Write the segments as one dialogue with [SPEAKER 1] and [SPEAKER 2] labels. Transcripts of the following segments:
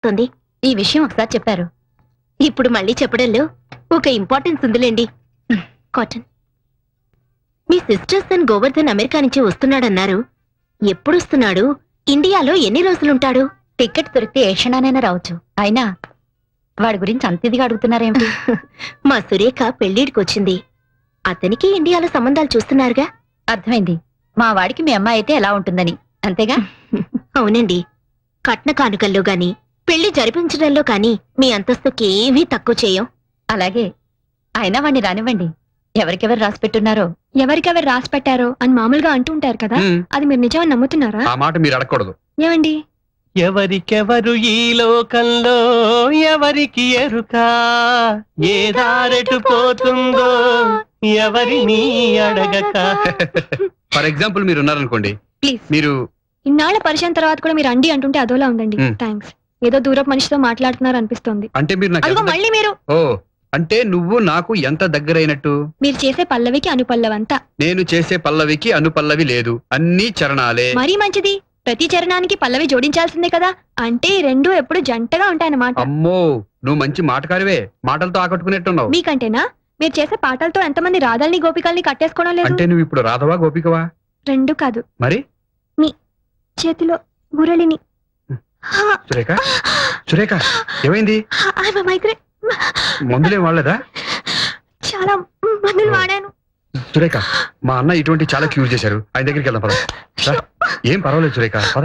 [SPEAKER 1] వస్తుంది. ఈ విషయం ఒకసారి చెప్పారు, ఇప్పుడు మళ్ళీ చెప్పడంలో ఒక ఇంపార్టెన్స్ ఉందిలేండి. కాటన్, మీ సిస్టర్స్ అండ్ గోవర్ధన్ అమెరికా నుంచి వస్తున్నాడన్నారు. ఎప్పుడు వస్తున్నాడు? ఇండియాలో ఎన్ని రోజులుంటాడు? టికెట్ దొరికితే ఏ క్షణానైనా రావచ్చు. అయినా వాడి గురించి అంత ఇదిగా అడుగుతున్నారేమిటి? మా సురేఖ పెళ్లిడికి వచ్చింది. అతనికి ఇండియాలో సంబంధాలు చూస్తున్నారుగా. అర్థమైంది. మా వాడికి మీ అమ్మాయి అయితే ఎలా ఉంటుందని, అంతేగా? అవునండి. కట్న కానుకల్లో గాని పెళ్లి జరిపించడంలో కానీ మీ అంతస్తుకి ఏమీ తక్కువ చేయం. అలాగే. అయినా వాణ్ణి రానివ్వండి. ఎవరికెవరు రాసి పెట్టున్నారో,
[SPEAKER 2] ఎవరికెవరు రాసి పెట్టారో అని మామూలుగా అంటుంటారు కదా, అది మీరు నిజమని నమ్ముతున్నారా?
[SPEAKER 3] ఆ మాట మీరు అడగకూడదు.
[SPEAKER 2] ఏమండి?
[SPEAKER 4] ఎవరికెవరు ఈ లోకంలో ఎవరికి ఎరుక, ఏ దారెటు పోతుందో ఎవరిని అడగక.
[SPEAKER 3] ఫర్ ఎగ్జాంపుల్ మీరు ఉన్నారనుకోండి,
[SPEAKER 2] ప్లీజ్.
[SPEAKER 3] మీరు
[SPEAKER 2] ఇన్నాళ్ల పరిచయం తర్వాత కూడా మీరు అండి అంటుంటే అదోలా ఉందండి. థ్యాంక్స్. ఏదో దూరపు మనిషితో మాట్లాడుతున్నారు అనిపిస్తోంది.
[SPEAKER 3] అంటే మీరు నాకు
[SPEAKER 2] అదిగో మళ్ళీ మీరు.
[SPEAKER 3] ఓ, అంటే నువ్వు నాకు ఎంత దగ్గరైనట్టు?
[SPEAKER 2] మీరు చేసే పల్లవికి అనుపల్లవంతా.
[SPEAKER 3] నేను చేసే పల్లవికి అనుపల్లవి లేదు, అన్ని చరణాలే.
[SPEAKER 2] మరీ మంచిది. ప్రతి చరణానికి పల్లవి జోడించాల్సిందే కదా. అంటే ఈ రెండు ఎప్పుడు జంటగా ఉంటాయన్నమాట.
[SPEAKER 3] అమ్మో, నువ్వు మంచి మాటకారివే. మాటలతో ఆకట్టుకునేట్టున్నావు.
[SPEAKER 2] మీకంటేనా? మీరు చేసే పాటలతో ఎంతమంది రాధల్ని గోపికల్ని కట్టేసుకోవడం లేదు?
[SPEAKER 3] అంటే నువ్వు ఇప్పుడు రాధవా గోపికవా?
[SPEAKER 2] రెండు కాదు.
[SPEAKER 3] మరి
[SPEAKER 2] మీ చేతిలో మురళిని.
[SPEAKER 3] సురేఖ, సురేఖ ఏమైంది? మందులేం వాడలేదా?
[SPEAKER 2] చాలా మందులు వాడాను.
[SPEAKER 3] సురేఖ, మా అన్న ఇటువంటి చాలా క్యూర్ చేశారు. ఆయన దగ్గరికి వెళ్దాం పద. ఏం పర్వాలేదు సురేఖ, పద.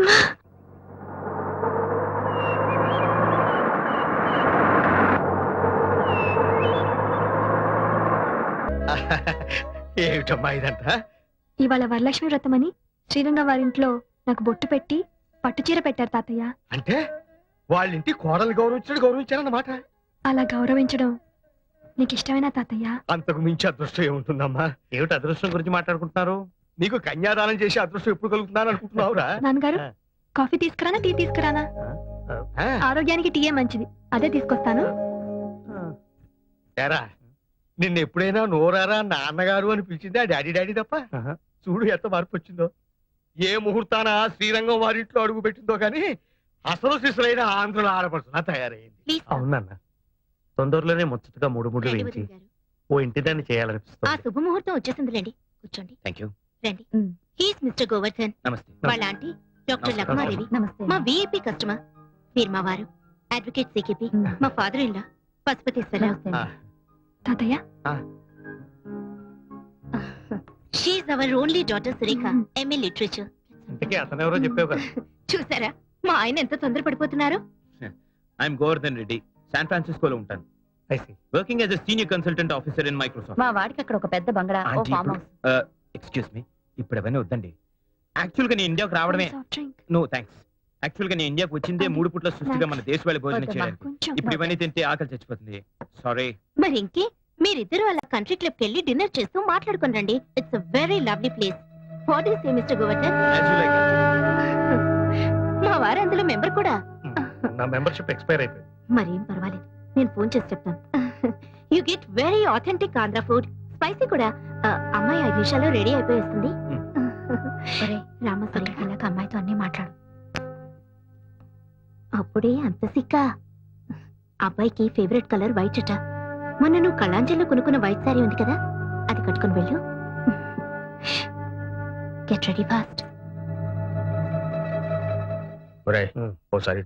[SPEAKER 4] ఏమిటమ్మా ఇదంతా?
[SPEAKER 2] ఇవాళ వరలక్ష్మి వ్రతమని శ్రీరంగ వారింట్లో నాకు బొట్టు పెట్టి పట్టుచీర పెట్టారు తాతయ్య.
[SPEAKER 4] అంటే వాళ్ళింటి కోడలు గౌరవించారన్నమాట.
[SPEAKER 2] అలా గౌరవించడం నీకు ఇష్టమేనా తాతయ్య?
[SPEAKER 4] అంతకు మించి అదృష్టం ఏముంటుందమ్మా? ఏమిటి అదృష్టం గురించి మాట్లాడుకుంటున్నారు? నీకు కన్యాదానం చేసి అదృష్టం ఎప్పుడు కలుగుతున్నాను అనుకుంటున్నావురా?
[SPEAKER 2] నాన్నగారు, కాఫీ తీసుకురానా టీ తీసుకురానా? ఆరోగ్యానికి టీయే మంచిది, అదే తీసుకొస్తాను.
[SPEAKER 4] ఏరా, నిన్న ఎప్పుడైనా నోరారా నాన్నగారు అని పిలిచింది ఆ డాడీ డాడీ తప్ప? చూడు ఎంత మార్పు వచ్చిందో. ఏ ముహూర్తాన శ్రీరంగం వారింట్లో అడుగు పెట్టిందో కానీ అసలు శిశులైన ఆంధ్రుల ఆడపడుతున్నా తయారైంది. అవునన్న, తొందరలోనే ముచ్చటగా మూడు వేయించి ఓ ఇంటి దాన్ని చేయాలనిపిస్తుంది.
[SPEAKER 1] ఆ శుభముహూర్తం వచ్చేసిందిలేండి. కూర్చోండి.
[SPEAKER 3] థాంక్యూ.
[SPEAKER 1] రండి. He's mister Govardhan.
[SPEAKER 3] నమస్తే.
[SPEAKER 1] వాళ్ళ ఆంటీ డాక్టర్ లక్మాదేవి. మా విఐపి కస్టమర్. మీరు మా వారు అడ్వకేట్ సికిపి. మా ఫాదర్ ఇన్ లా పశుపతీశ్వరరావు.
[SPEAKER 2] తాతయ్య,
[SPEAKER 1] she's our only daughter Surekha, MA literature.
[SPEAKER 4] ఇంతకీ అతనెవరో చెప్పావు కదా.
[SPEAKER 1] చూసారా మా ఆయన ఎంత తొందరపడిపోతున్నారు?
[SPEAKER 5] ఐఎమ్ గోవర్ధన్ రెడ్డి, శాన్ ఫ్రాన్సిస్కోలో ఉంటాను. Working as a senior consultant officer in Microsoft.
[SPEAKER 1] మా వాడికి అక్కడ ఒక పెద్ద బంగళా, ఓ ఫామ్ హౌస్.
[SPEAKER 5] ఎక్స్క్యూజ్ మీ, ఇప్పుడు అవన్నీ వద్దండి. యాక్చువల్ గా నేను ఇండియాకు రావడమే. No thanks. యాక్చువల్ గా నేను ఇండియాకు వచ్చిందే 3 పూట్ల సృష్టిగా మన దేశ వాళ్ళ భోజనం చేయడానికి. ఇప్పుడు ఇవన్నీ తింటే ఆకలి చచ్చిపోతుంది. సారీ.
[SPEAKER 1] మరి ఇంకే మీరిద్దరు అలా కంట్రీ క్లబ్ కెళ్ళి డిన్నర్ చేస్తూ మాట్లాడుకుని రండి. It's a very lovely place. What is mister Govardhan? మా వారు అందులో మెంబర్ కూడా.
[SPEAKER 4] నా మెంబర్షిప్ ఎక్స్పైర్ అయిపోయింది.
[SPEAKER 1] మరేం పర్వాలేదు, నేను ఫోన్ చేసి చెప్తాను. You get very authentic Andhra food, spicy కూడా. అమ్మాయి 5 నిమిషాల్లో రెడీ అయిపోయేస్తుంది. రామసరి ఇలాగ అమ్మాయితో అన్ని మాట్లాడు. అప్పుడే అంత సిక్క. అబ్బాయికి ఫేవరెట్ కలర్ వైట్ అట. మొన్న నువ్వు కళాంజలిలో కొనుక్కున్న వైట్ సారీ ఉంది కదా, అది కట్టుకుని వెళ్ళు. Get ready fast.
[SPEAKER 4] ఓసారి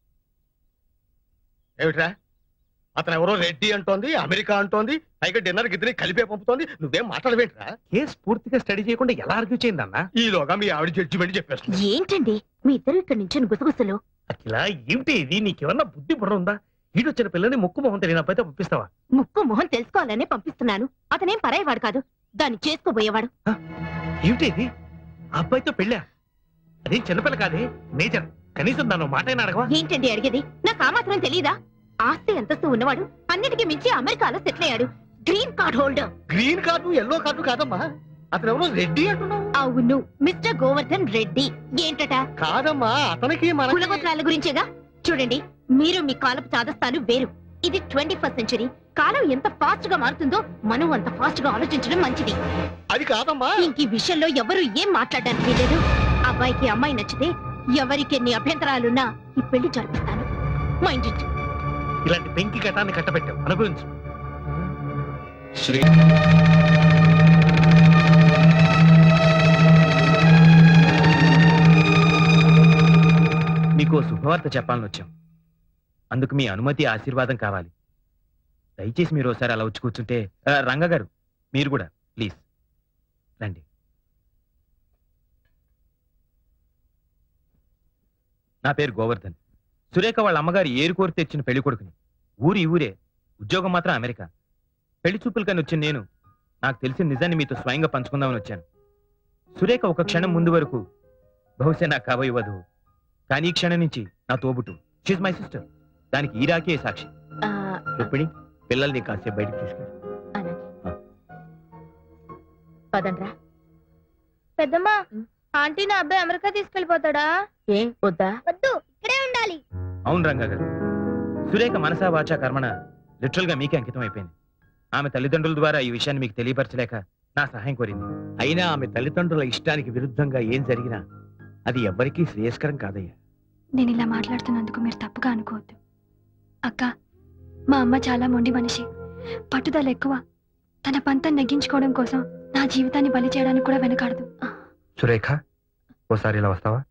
[SPEAKER 4] ఏమిట్రా, అతను ఎవరో రెడ్డి అంటోంది, అమెరికా అంటోంది, పైగా డిన్నర్ గిద్దరి కలిపే పంపుతోంది. నువ్వేం మాట్లాడవేంట్రా? కేసు పూర్తిగా స్టడీ చేయకుండా ఎలా ఆర్గ్యూ చేయిందన్నా? ఈలోగా మీ ఆవిడ జడ్జిమెంట్ చెప్పేస్తుంది.
[SPEAKER 1] ఏంటండి మీ ఇద్దరు ఇక్కడ నుంచి గుసగుసలు?
[SPEAKER 4] అఖిలా, ఏమిటి ఇది? నీకేమన్నా బుద్ధి బుర్ర ఉందా? ఈడొచ్చిన పిల్లని ముక్కు మొహం తెలియని అబ్బాయితో పంపిస్తావా?
[SPEAKER 1] ముక్కు మొహం తెలుసుకోవాలనే పంపిస్తున్నాను. అతనేం పరాయవాడు కాదు, దాన్ని చేసుకోబోయేవాడు.
[SPEAKER 4] ఏమిటి ఇది? అబ్బాయితో పెళ్ళా? అదేం చిన్నపిల్ల కాదే, మేజర్. కనీసం దాని మాట అయినా అడగవా?
[SPEAKER 1] ఏంటండి అడిగేది? నాకు ఆ మాత్రం తెలీదా? ఆస్తి అంతస్తు ఉన్నవాడు, అన్నిటికీ మించి అమెరికాలో సెటిల్ అయ్యాడు. Green card holder.
[SPEAKER 4] Green card yellow card కాదమ్మా, అతను ఎవరో రెడ్డి అంటున్నావు.
[SPEAKER 1] అవును, మిస్టర్ గోవర్ధన్ రెడ్డి. ఏంటట?
[SPEAKER 4] కాదమ్మా, అతనికి మన
[SPEAKER 1] కులగోత్రాల గురించేగా. చూడండి, మీరు మీ కాలపు చాదస్తాలు వేరు. ఇది 21st సెంచరీ. కాలం ఎంత ఫాస్ట్ గా మారుతుందో మనం అంత ఫాస్ట్ గా ఆలోచించడం మంచిది.
[SPEAKER 4] అది కాదమ్మా.
[SPEAKER 1] ఇంక ఈ విషయంలో ఎవరు ఏం మాట్లాడడానికి లేదు. అబ్బాయికి అమ్మాయి నచ్చితే ఎవరికి ఎన్ని అభ్యంతరాలున్నా ఈ పెళ్లి జరిపిస్తాను. Mind it.
[SPEAKER 4] ఇలాంటి పెంకి ఘటాన్ని కట్టబెట్టావు, అనుభవించు.
[SPEAKER 3] శ్రీ
[SPEAKER 5] మీకు ఓ శుభవార్త చెప్పాలని వచ్చాం. అందుకు మీ అనుమతి ఆశీర్వాదం కావాలి. దయచేసి మీరు ఒకసారి అలా వచ్చి కూర్చుంటే. రంగ గారు మీరు కూడా ప్లీజ్ రండి. నా పేరు గోవర్ధన్. సురేఖ వాళ్ళ అమ్మగారు ఏరు కోరి తెచ్చిన పెళ్లి కొడుకుని. ఊరి ఊరే, ఉద్యోగం మాత్రం అమెరికా. పెళ్లి చూపులకని వచ్చిన నేను నాకు తెలిసిన నిజాన్ని మీతో స్వయంగా పంచుకుందామని వచ్చాను. సురేఖ ఒక క్షణం ముందు వరకు బహుశా నాకు కాబోయే వధువు, కానీ ఈ క్షణం నుంచి నా తోబుట్టు. She's my sister. దానికి ఈ రాకే సాక్షి.
[SPEAKER 1] ఆ,
[SPEAKER 5] రుక్మిణి, పిల్లల్ని కాసేపు బయటకు తీసుకెళ్ళి.
[SPEAKER 1] అలాగే. పదండ్రా.
[SPEAKER 2] పెద్దమ్మా, ఆంటీ నా అబ్బాయి అమెరికా తీసుకెళ్లిపోతాడా?
[SPEAKER 1] ఏం వద్దా?
[SPEAKER 2] వద్దు, ఇక్కడే ఉండాలి.
[SPEAKER 5] అవును రంగా గారు, సురేఖ మనసా వాచా కర్మణ లిటరల్ గా మీకే అంకితం అయిపోయింది. ఆమె తల్లిదండ్రుల ద్వారా ఈ విషయాన్ని మీకు తెలియపరచలేక నా సహాయం కోరింది.
[SPEAKER 4] అయినా ఆమె తల్లిదండ్రుల ఇష్టానికి విరుద్ధంగా ఏం జరిగినా అది ఎవ్వరికీ శ్రేయస్కరం కాదయ్యా.
[SPEAKER 2] నేను ఇలా మాట్లాడుతున్నందుకు మీరు తప్పుగా అనుకోవద్దు. అక్క, మా అమ్మ చాలా మొండి మనిషి, పట్టుదల ఎక్కువ. తన పంతం నెగ్గించుకోవడం కోసం నా జీవితాన్ని బలి చేయడానికి కూడా వెనకాడదు.
[SPEAKER 3] సురేఖ, ఓసారి ఇలా వస్తావా?